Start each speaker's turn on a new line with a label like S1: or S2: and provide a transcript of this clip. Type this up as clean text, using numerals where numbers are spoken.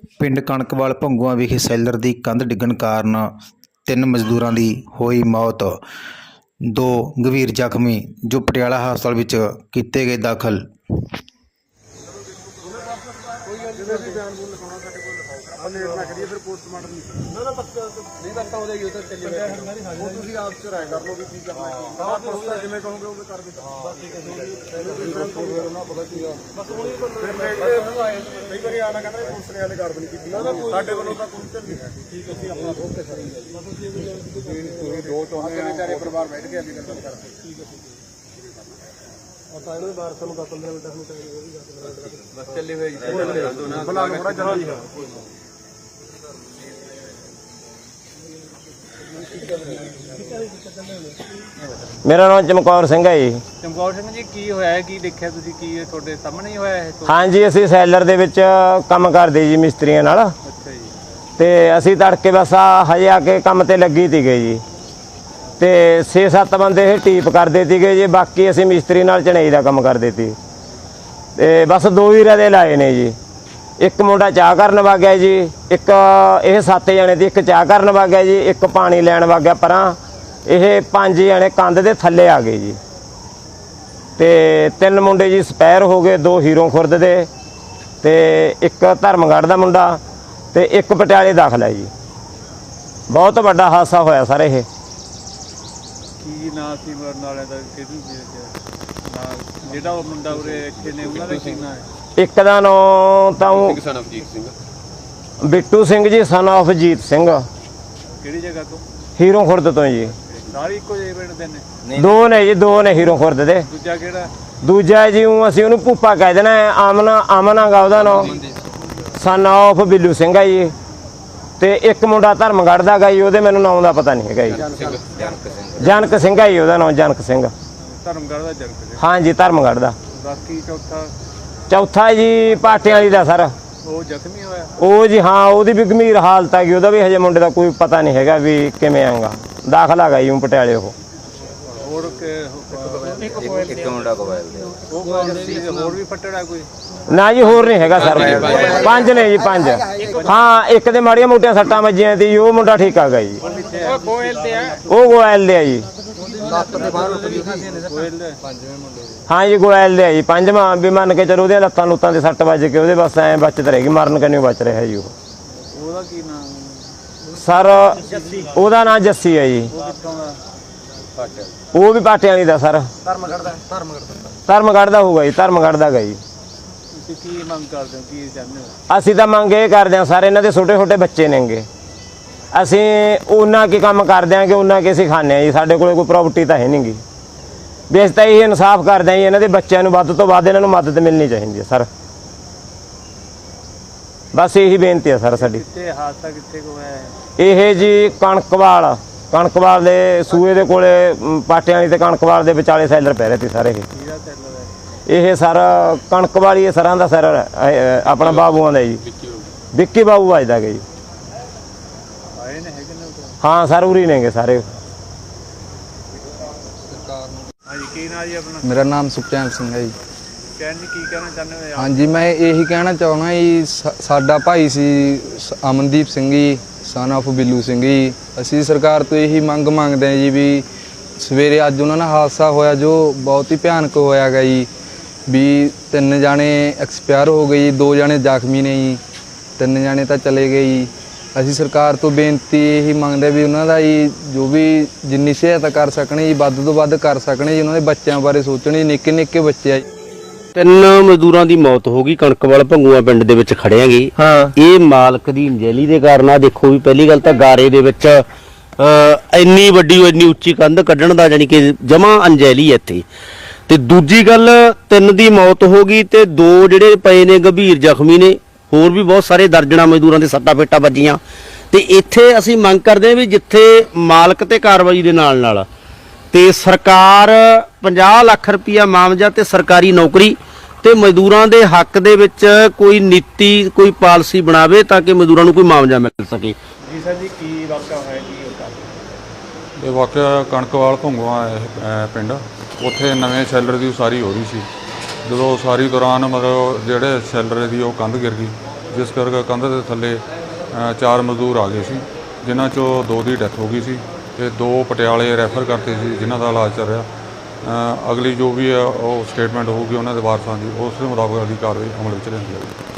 S1: ਪਿੰਡ ਕਣਕਵਾਲ ਭੰਗੂਆਂ ਵਿਖੇ ਸੈਲਰ ਦੀ ਕੰਧ ਡਿੱਗਣ ਕਾਰਨ 3 ਮਜ਼ਦੂਰਾਂ ਦੀ ਹੋਈ ਮੌਤ। 2 ਗੰਭੀਰ ਜ਼ਖਮੀ ਜੋ ਪਟਿਆਲਾ ਹਸਪਤਾਲ ਵਿੱਚ ਕੀਤੇ ਗਏ ਦਾਖਲ।
S2: मेरा नाम चमकौर सिंह है जी।
S3: चमकौर सिंह जी की होया है की देखिया तुसीं की तुहाडे सामने ही होया है?
S2: हाँ जी, असीं सैलर दे विच काम करदे जी मिस्त्रियां नाल।
S3: अच्छा जी।
S2: ते असीं तड़के बस हजे आके काम ते लगी तीगे जी। ते 6-7 बंदे ये टीप करदे तीगे जी, बाकी असीं मिस्त्री नाल चनाई दा काम करदे ती। ते बस 2 ही रदे लाए ने जी। एक मुंडा चाह करन वग गया जी, एक ये 7 जने थे, एक चाह करन वग गया जी, एक पानी लैन वग गया परां। ये 5 जने कंध दे थल्ले आ गए जी। ते 3 मुंडे जी स्पैर हो गए, 2 हीरों खुर्द दे ते एक धर्मगढ़ दा मुंडा ते एक पटियाले दाखल है जी। बहुत बड़ा हादसा होया सर। ये
S3: की नाम सी मरन वाले दा किहदी जी नाम जेड़ा वो मुंडा उरे इत्थे ने उन्हां दा की नाम है?
S2: एक दा नाम तां बिट्टू सिंह जी सन ऑफ जीत सिंह,
S3: किहड़ी जगह तो?
S2: हीरों खुर्द तो जी।
S3: सारी इक्को ਜਿਹੇ ਪਿੰਡ ਦੇ ਨੇ?
S2: 2 ने जी, 2 ने हीरों खुर्द दे।
S3: ਦੂਜਾ ਕਿਹੜਾ?
S2: दूजा जी असीं उहनूं भूपा कह देना है, आमना गा उहदा नाम, सन ऑफ बिल्लू सिंह है जी। ते एक मुंडा धर्मगढ़ दा गा जी, उहदे मैनूं नाम दा पता नहीं है जी। जनक सिंह है जी उहदा नाम, जनक सिंह।
S3: ਧਰਮਗੜ੍ਹ ਦਾ ਜਨਕ ਜੀ।
S2: हाँ जी, धर्मगढ़ दा।
S3: ਬਾਕੀ
S2: चौथा जी पाटियां वाली दा सर।
S3: ਉਹ ਜ਼ਖਮੀ ਹੋਇਆ?
S2: ਉਹ ਜੀ ਹਾਂ, ਉਹਦੀ ਵੀ ਗੰਭੀਰ ਹਾਲਤ ਹੈਗੀ, ਉਹਦਾ ਵੀ ਹਜੇ ਮੁੰਡੇ ਦਾ ਕੋਈ ਪਤਾ ਨਹੀਂ ਹੈਗਾ ਵੀ ਕਿਵੇਂ ਆਂਗਾ। ਦਾਖਲ ਹੈਗਾ ਜੀ ਪਟਿਆਲੇ। ਉਹ
S3: ਹੋਰ ਇੱਕ ਮੁੰਡਾ ਕੋਲ ਹੋਰ ਵੀ ਫੱਟੜਾ ਕੋਈ?
S2: ਨਾ ਜੀ, ਹੋਰ ਨਹੀਂ ਹੈਗਾ ਸਰ। 5 ਨੇ ਜੀ, 5। ਹਾਂ, ਇੱਕ ਦੇ ਮਾੜੀਆਂ ਮੋਟੀਆਂ ਸੱਟਾਂ ਵੱਜੀਆਂ ਸੀ, ਉਹ ਮੁੰਡਾ ਠੀਕ ਆ ਗਿਆ ਜੀ।
S3: ਉਹ ਗੋਇਲ ਤੇ ਆ?
S2: ਉਹ ਗੋਇਲ ਦੇ ਆ ਜੀ। हाँ जी, गोयल दे जी। 5वां भी मन के चलो, लत्तां लुत्तां दे सट वज के ਉਹਦੇ बस ਐ बचत रहेगी, मरन कन्नै बच रहा है जी।
S3: ਉਹਦਾ ਕੀ ਨਾਮ
S2: सर? ਉਹਦਾ ਨਾਮ ਜੱਸੀ ਹੈ ਜੀ।
S3: ਉਹ ਕਿੱਥੋਂ ਦਾ?
S2: ਉਹ ਵੀ ਪਾਟਿਆਂ ਵਾਲੀ ਦਾ ਸਰ। ਧਰਮਗੜ੍ਹ ਦਾ ਹੋਊਗਾ ਜੀ, ਧਰਮਗੜ੍ਹ ਦਾ ਗਾ ਜੀ।
S3: ਤੁਸੀਂ ਕੀ ਮੰਗ ਕਰਦੇ ਹੋ, ਕੀ ਚਾਹੁੰਦੇ ਹੋ?
S2: ਅਸੀਂ ਤਾਂ ਮੰਗ ਇਹ ਕਰਦੇ ਹਾਂ ਸਰ, ਇਹਨਾਂ ਦੇ ਛੋਟੇ ਛੋਟੇ ਬੱਚੇ ਨੇਗੇ, ਅਸੀਂ ਉਹਨਾਂ ਕੀ ਕੰਮ ਕਰ ਦਿਆਂਗੇ, ਉਹਨਾਂ ਕੀ ਅਸੀਂ ਖਾਂਦੇ ਹਾਂ ਜੀ। ਸਾਡੇ ਕੋਲ ਕੋਈ ਪ੍ਰੋਪਰਟੀ ਤਾਂ ਹੈ ਨਹੀਂ ਗੀ। ਵੀ ਅਸੀਂ ਤਾਂ ਇਹ ਇਨਸਾਫ ਕਰਦੇ ਹਾਂ ਜੀ, ਇਹਨਾਂ ਦੇ ਬੱਚਿਆਂ ਨੂੰ ਵੱਧ ਤੋਂ ਵੱਧ ਇਹਨਾਂ ਨੂੰ ਮਦਦ ਮਿਲਣੀ ਚਾਹੀਦੀ ਹੈ ਸਰ। ਬਸ ਇਹੀ ਬੇਨਤੀ ਹੈ ਸਰ ਸਾਡੀ।
S3: ਕਿੱਥੇ ਹਾਦਸਾ ਕਿੱਥੇ ਕੋ ਹੈ
S2: ਇਹ ਜੀ? ਕਣਕਵਾਲ ਦੇ ਸੂਏ ਦੇ ਕੋਲੇ, ਪਾਟਿਆਂ ਵਾਲੀ ਤੇ ਕਣਕਵਾਲ ਦੇ ਵਿਚਾਲੇ ਸੈਲਰ ਪੈ ਰਹੇ ਸੀ ਸਾਰੇ।
S3: ਕਿਹੜਾ ਚੱਲ
S2: ਇਹ ਸਰ ਕਣਕਵਾਲੀ ਸਰਾਂ ਦਾ ਸਰ ਆਪਣਾ ਬਾਬੂਆਂ ਦਾ ਜੀ, ਵਿੱਕੀ ਬਾਬੂ ਵੱਜਦਾ ਗਿਆ ਜੀ।
S3: ਆਏ ਨੇ ਹੈਗੇ ਨੇ?
S2: ਹਾਂ ਸਰ, ਉਰੀ ਨੇਗੇ ਸਾਰੇ।
S3: ਹਾਂਜੀ, ਕੀ ਨਾਮ ਜੀ ਆਪਣਾ?
S4: मेरा नाम सुखचैन सिंह है जी।
S3: ਕਹਿਣ ਜੀ ਕੀ ਕਹਿਣਾ ਚਾਹੁੰਦੇ ਹੋ?
S4: हाँ जी, मैं यही कहना चाहना जी, साडा भाई सी अमनदीप सिंह जी सन ऑफ बिल्लू सिंह जी। ਅਸੀਂ ਸਰਕਾਰ ਤੋਂ ਇਹੀ ਮੰਗ ਮੰਗਦੇ ਹਾਂ ਜੀ ਵੀ ਸਵੇਰੇ ਅੱਜ ਉਹਨਾਂ ਨਾਲ ਹਾਦਸਾ ਹੋਇਆ ਜੋ ਬਹੁਤ ਹੀ ਭਿਆਨਕ ਹੋਇਆ ਗਾ ਜੀ। ਵੀ 3 ਜਾਣੇ ਐਕਸਪਾਇਰ ਹੋ ਗਏ ਜੀ, 2 ਜਾਣੇ ਜ਼ਖਮੀ ਨੇ ਜੀ, 3 ਜਾਣੇ ਤਾਂ ਚਲੇ ਗਏ ਜੀ। ਅਸੀਂ ਸਰਕਾਰ ਤੋਂ ਬੇਨਤੀ ਇਹੀ ਮੰਗਦੇ ਵੀ ਉਹਨਾਂ ਦਾ ਜੀ ਜੋ ਵੀ ਜਿੰਨੀ ਸਹਾਇਤਾ ਕਰ ਸਕਣੇ ਜੀ, ਵੱਧ ਤੋਂ ਵੱਧ ਕਰ ਸਕਣੇ ਜੀ। ਉਹਨਾਂ ਦੇ ਬੱਚਿਆਂ ਬਾਰੇ ਸੋਚਣੇ, ਨਿੱਕੇ ਨਿੱਕੇ ਬੱਚੇ ਆ ਜੀ।
S5: 3 ਮਜ਼ਦੂਰਾਂ ਦੀ ਮੌਤ ਹੋ ਗਈ ਕਣਕਵਾਲ ਭੰਗੂਆਂ ਪਿੰਡ ਦੇ ਵਿੱਚ ਖੜਿਆਂਗੇ। ਇਹ ਮਾਲਕ ਦੀ ਅੰਜਲੀ ਦੇ ਕਾਰਨ ਆ। ਦੇਖੋ ਵੀ ਪਹਿਲੀ ਗੱਲ ਤਾਂ ਗਾਰੇ ਦੇ ਵਿੱਚ ਇੰਨੀ ਵੱਡੀ ਇੰਨੀ ਉੱਚੀ ਕੰਧ ਕੱਢਣ ਦਾ ਜਾਨੀ ਕਿ ਜਮਾ ਅੰਜਲੀ ਇੱਥੇ। ਤੇ ਦੂਜੀ ਗੱਲ 3 ਦੀ ਮੌਤ ਹੋ ਗਈ ਤੇ 2 ਜਿਹੜੇ ਪਏ ਨੇ ਗੰਭੀਰ ਜ਼ਖਮੀ ਨੇ। ਹੋਰ ਵੀ ਬਹੁਤ ਸਾਰੇ ਦਰਜਣਾ ਮਜ਼ਦੂਰਾਂ ਦੇ ਸੱਟਾਂ ਫੇਟਾਂ ਵੱਜੀਆਂ। ਤੇ ਇੱਥੇ ਅਸੀਂ ਮੰਗ ਕਰਦੇ ਹਾਂ ਵੀ ਜਿੱਥੇ ਮਾਲਕ ਤੇ ਕਾਰਵਾਈ ਦੇ ਨਾਲ ਤੇ ਸਰਕਾਰ 50 ਲੱਖ ਰੁਪਇਆ ਮਾਮਜਾ ਤੇ ਸਰਕਾਰੀ ਨੌਕਰੀ ਤੇ ਮਜ਼ਦੂਰਾਂ ਦੇ ਹੱਕ ਦੇ ਵਿੱਚ ਕੋਈ ਨੀਤੀ ਕੋਈ ਪਾਲਿਸੀ ਬਣਾਵੇ ਤਾਂ ਕਿ ਮਜ਼ਦੂਰਾਂ ਨੂੰ ਕੋਈ ਮਾਮਜਾ ਮਿਲ ਸਕੇ।
S3: ਜੀ ਸਰ ਜੀ, ਕੀ ਵਾਕਿਆ ਹੋਇਆ ਕੀ ਹੋਇਆ?
S6: ਇਹ ਵਾਕਿਆ ਕਣਕਵਾਲ ਭੰਗੂਆਂ ਪਿੰਡ, ਉੱਥੇ ਨਵੇਂ ਸ਼ੈਲਰ ਦੀ ਉਸਾਰੀ ਹੋ ਰਹੀ ਸੀ। ਜਦੋਂ ਉਸਾਰੀ ਦੌਰਾਨ ਮਤਲਬ ਜਿਹੜੇ ਸ਼ੈਲਰ ਦੀ ਉਹ ਕੰਧ ਗਿਰ ਗਈ ਜਿਸ ਕਰਕੇ ਕੰਧ ਦੇ ਥੱਲੇ 4 ਮਜ਼ਦੂਰ ਆ ਗਏ ਸੀ, ਜਿਨ੍ਹਾਂ 'ਚੋਂ 2 ਦੀ ਡੈਥ ਹੋ ਗਈ ਸੀ ਤੇ 2 ਪਟਿਆਲੇ ਰੈਫਰ ਕਰਤੇ ਸੀ, ਜਿਨ੍ਹਾਂ ਦਾ ਇਲਾਜ ਚੱਲ ਰਿਹਾ। ਅਗਲੀ ਜੋ ਵੀ ਹੈ ਉਹ ਸਟੇਟਮੈਂਟ ਹੋਊਗੀ ਉਹਨਾਂ ਦੇ ਵਾਰਸਾਂ ਦੀ, ਉਸ ਦੇ ਮੁਤਾਬਕ ਅਗਲੀ ਕਾਰਵਾਈ ਅਮਲ ਵਿੱਚ ਲਿਆਂਦੀ ਜਾਵੇਗੀ।